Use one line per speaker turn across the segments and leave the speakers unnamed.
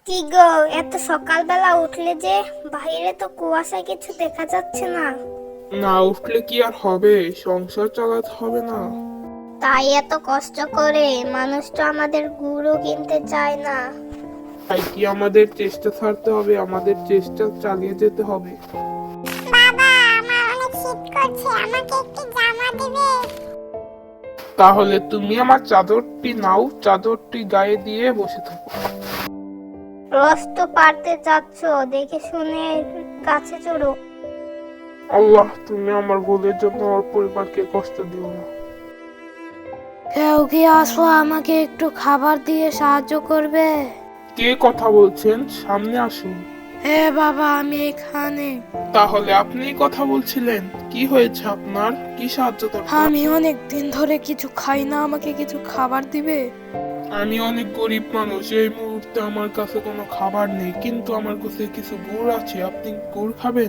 কি গো, এত সকালবেলা উঠলে যে? বাইরে তো কুয়াশায় কিছু দেখা যাচ্ছে না।
না উঠলে কি আর হবে, সংসার চালাতে হবে না।
তাই এত কষ্ট করে মানুষ তো আমাদের গুঁড়ো কিনতে চায় না।
তাই কি আমাদের চেষ্টা ছাড়তে হবে, আমাদের চেষ্টা চালিয়ে যেতে হবে।
বাবা, আমার অনেক শীত করছে, আমাকে একটু জামা দিবে?
তাহলে তুমি আমার চাদরটি নাও, চাদরটি গায়ে দিয়ে বসে থাকো।
রোজ তো পারতে যাচ্ছ, দেখে শুনে গাছে চড়ো।
আল্লাহ, তুমি আমার ভুলের জন্য আমার পরিবারকে কষ্ট দিও না।
কেউ কি আসো, আমাকে একটু খাবার দিয়ে সাহায্য করবে?
কে কথা বলছেন? সামনে আসুন।
হ্যাঁ বাবা, আমি এখানে।
তাহলে আপনি কথা বলছিলেন, কি হয়েছে আপনার? কি সাহায্য দরকার?
আমি অনেক দিন ধরে কিছু খাই না, আমাকে কিছু খাবার দিবে?
আমি অনেক গরিব মানুষ, এই মুহূর্তে আমার কাছে কোনো খাবার নেই, কিন্তু আমার কাছে কিছু গুড় আছে। আপনি গুড় খাবেন?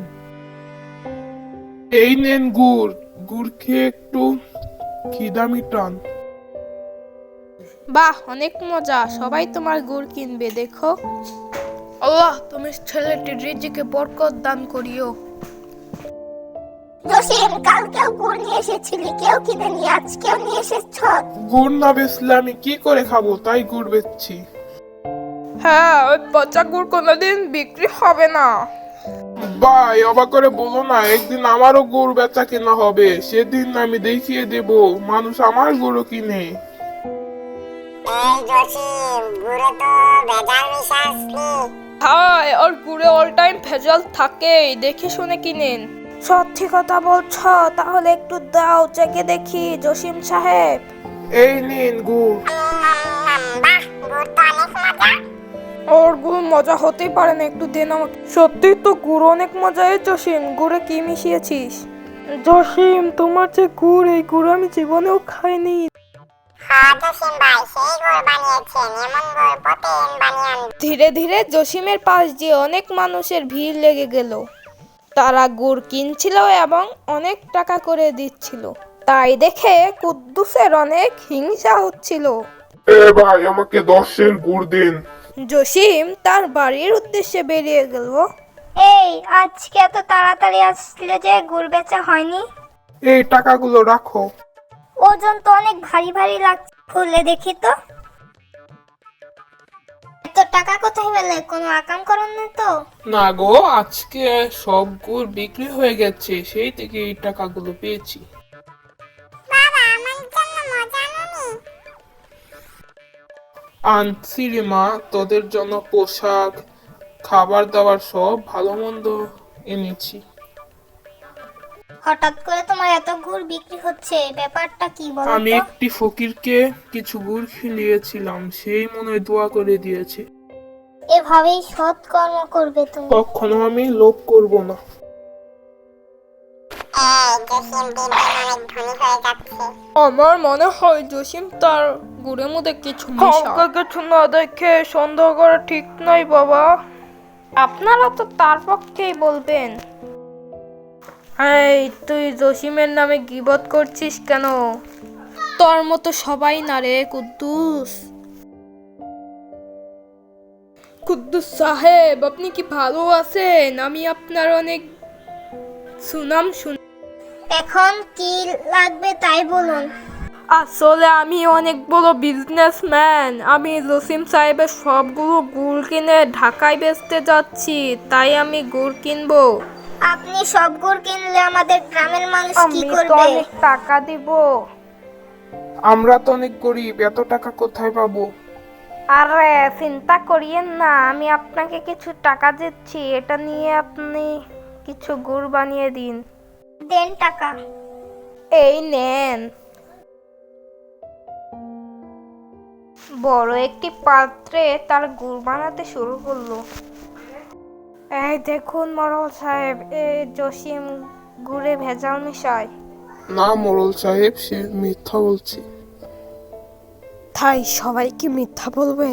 এই নেন গুড়, গুড় খেয়ে একটু খিদা মিটান।
বাহ, অনেক মজা, সবাই তোমার গুড় কিনবে দেখো। আল্লাহ, তুমি ছেলেটির রিজিকে বরকত দান করিও।
জসিম, কালকেও গুড় নিয়ে এসেছিলি, কেউ কিনে নিয়ে আজকেও নিয়ে এসেছ?
গুড় না বেচলে আমি কি করে খাবো, তাই গুড় বেচছি।
হ্যাঁ, ওই পচা গুড় কোনোদিন বিক্রি হবে না।
ভাই, অবাক করে বলো না, একদিন আমারও গুড় বেচা কেনা হবে, সেদিন আমি দেখিয়ে দেব মানুষ আমার গুড়ও কিনে।
এই জসিম, গুড়ে তো ভেজাল মিশাসনি।
হায়, ওর গুড়ে অল টাইম ভেজাল থাকেই, দেখে শুনে কিনেন। সত্যি কথা বলছো? তাহলে একটু দাও, চেকে দেখি জসিম সাহেব।
এই নিন গুড়।
বাহ, গুড় তো অনেক মজা।
ওর গুড় মজা হতেই পারে না, একটু দেন আমাকে। সত্যি তো গুড় অনেক মজা। এই জসিম, গুড়ে কি মিশিয়েছিস? জসিম, তোমার যে গুড়, এই গুড় আমি জীবনেও খাইনি।
হ্যাঁ জসিম ভাই, সেই গুড় বানিয়েছেন, এমন গুড় প্রতিদিন বানিয়ে আনবেন।
ধীরে ধীরে জসিমের পাশ দিয়ে অনেক মানুষের ভিড় লেগে গেল। তারা গুড় কিনছিল এবং অনেক টাকা করে দিচ্ছিল। তাই দেখে কুদ্দুসের অনেক হিংসা হচ্ছিল।
এ ভাই, আমাকে 10 গুড় দিন।
জসিম তার বাড়ির উদ্দেশ্যে বেরিয়ে গেল।
এই, আজকে এত তাড়াতাড়ি আসলে যে গুড় বেচা হয়নি?
এই টাকাগুলো রাখো।
ওজন তো অনেক ভারী ভারী লাগছে, খুলে দেখি তো। এত টাকা কোথায় পেলে? কোনো আকাম করেন না তো?
না গো, আজকে সব গুড় বিক্রি হয়ে গেছে, সেই থেকে এই টাকাগুলো পেয়েছি।
বাবা, আমার জন্য মজা আনুনি?
আনছি রে মা, তোদের জন্য পোশাক, খাবার দাবার সব ভালো মন্দ এনেছি।
হঠাৎ করে তোমার এত গুড় বিক্রি হচ্ছে, ব্যাপারটা কি বলো
আমি
তো?
একটি ফকিরকে কিছু গুড় খিলিয়েছিলাম, সেই মনে হয় দোয়া করে দিয়েছে।
এভাবেই সৎ কর্ম করবে তুমি।
কখনো আমি লোভ করব না।
এই জসিম দিন দিন অনেক ধনী হয়ে যাচ্ছে।
আমার মনে হয় জসিম তার গুড়ের মধ্যে কিছু মিশায়। কিছু না দেখে সন্দেহ করা ঠিক নয় বাবা। আপনারা তো তার পক্ষেই বলবেন। এই, তুই জসিমের নামে গীবত করছিস কেন? তোর মতো সবাই না রে কুদ্দুস। কুদ্দুস সাহেব, আপনি কি ভালো আছেন? আমি আপনার অনেক সুনাম শুনি।
এখন কি লাগবে তাই বলুন।
আসলে আমি অনেক বড় বিজনেসম্যান। আমি জসিম সাহেবের সবগুলো গুড় কিনে ঢাকায় বেচতে যাচ্ছি, তাই আমি গুড় কিনবো।
আপনি সব গুড় কিনলে আমাদের গ্রামের মানুষ কি
আমি তো
করবে?
অনেক টাকা দিব।
আমরা তো অনেক গরিব, এত টাকা কোথায় পাবো?
আরে চিন্তা করিয়েন না, আমি আপনাকে কিছু টাকা দিচ্ছি, এটা নিয়ে আপনি কিছু গুড় বানিয়ে দিন।
দেন টাকা।
এই নেন। বড় একটি পাত্রে তার গুড় বানাতে শুরু করলো। এই দেখুন মরল সাহেব, এই জসিম গুড়ে ভেজাল মিশায়।
না মোড়ল সাহেব, সে মিথ্যা বলছে।
তাই সবাই কি মিথ্যা বলবে?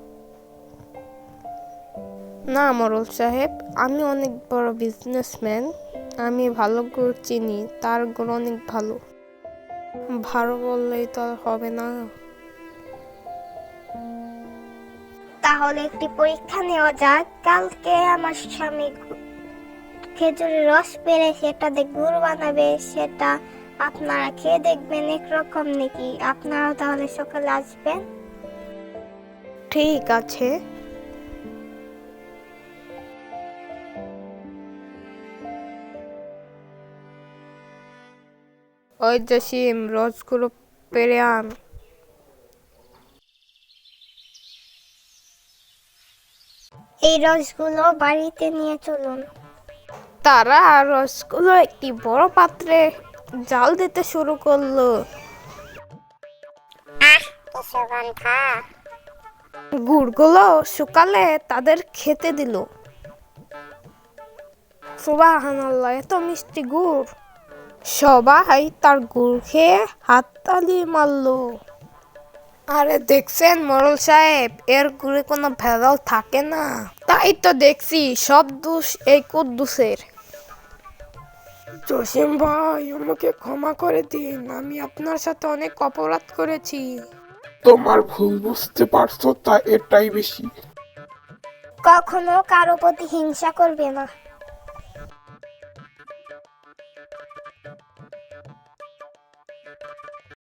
না মরল সাহেব, আমি অনেক বড় বিজনেসম্যান, আমি ভালো গুড় চিনি, তার গুড় অনেক ভালো। ভালো বললেই তো আর হবে না।
তাহলে একটি পরীক্ষা নেওয়া যাক। কালকে আমার স্বামী খেজুরের রস পেরে সেটাতে গুড় বানাবে, সেটা আপনারা খেয়ে দেখবেন একরকম নাকি। আপনারা তাহলে সকালে আসবেন।
ঠিক আছে। ওই জসিম, রসগুলো পেরে আন।
এই রসগুলো বাড়িতে নিয়ে চলুন।
তারা রসগুলো একটি বড় পাত্রে জাল দিতে শুরু করলো।
আহ, কি সুগন্ধ!
গুড়গুলো শুকালে তাদের খেতে দিল। সুবহানাল্লাহ, এত মিষ্টি গুড়! সবাই তার গুড় খেয়ে হাততালি মারলো। আরে দেখছেন মোড়ল সাহেব, এর গুড়ে কোনো ভেজাল থাকে না। তাই তো দেখছি, সব দোষ এই কুদ্দুসের। জসিম ভাই, আমাকে ক্ষমা করে দিন, আমি আপনার সাথে অনেক অপরাধ করেছি।
তোমার ভুল বুঝতে পারছো, তা এটাই বেশি।
কখনো কারো প্রতি হিংসা করবে না।